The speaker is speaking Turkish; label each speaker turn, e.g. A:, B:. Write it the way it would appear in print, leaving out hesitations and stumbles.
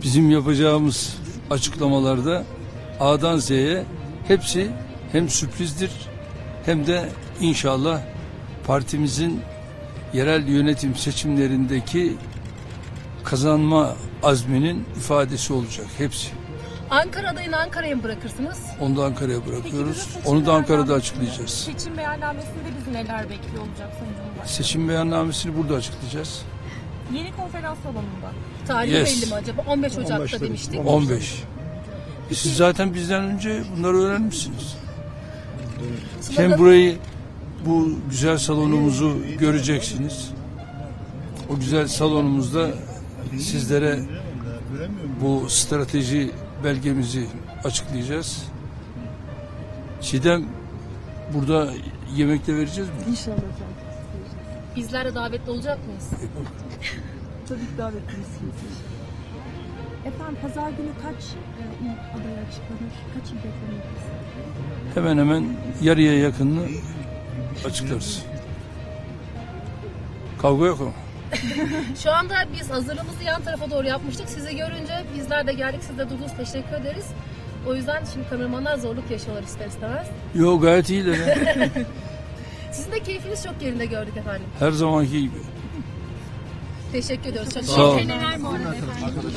A: Bizim yapacağımız açıklamalarda A'dan Z'ye hepsi hem sürprizdir hem de inşallah partimizin yerel yönetim seçimlerindeki kazanma azminin ifadesi olacak hepsi.
B: Ankara adayını Ankara'ya mı bırakırsınız?
A: Onu da Ankara'ya bırakıyoruz.
C: Peki,
A: Onu da Ankara'da açıklayacağız.
C: Seçim beyannamesinde bizi neler bekliyor olacak Sayın Cumhurbaşkanı?
A: Seçim beyannamesini burada açıklayacağız.
C: Yeni konferans salonunda.
B: Tarihi
A: Yes.
B: belli mi acaba? 15 Ocak'ta demiştik.
A: 15. Siz zaten bizden önce bunları öğrenmişsiniz. Hem burayı, bu güzel salonumuzu göreceksiniz. O güzel salonumuzda sizlere bu strateji belgemizi açıklayacağız. Çiğdem, burada yemekte vereceğiz mi?
D: İnşallah efendim.
B: Bizler de davetli olacak mıyız?
D: Tabii ki davetlisiniz. Efendim pazar günü kaç il adaya açıklanır? Kaç il beklenir?
A: Hemen hemen yarıya yakınını açıklarız. Kavga yok ama.
B: Şu anda biz hazırlığımızı yan tarafa doğru yapmıştık. Sizi görünce bizler de geldik. Siz de durdunuz. Teşekkür ederiz. O yüzden şimdi kameramanlar zorluk yaşıyorlar ister istemez.
A: Yok, gayet iyiler. Ya.
B: Sizin de keyfiniz çok yerinde gördük efendim.
A: Her zamanki gibi.
B: Teşekkür ediyoruz. Çok
A: Sağ olun.
C: Neler bu arada efendim?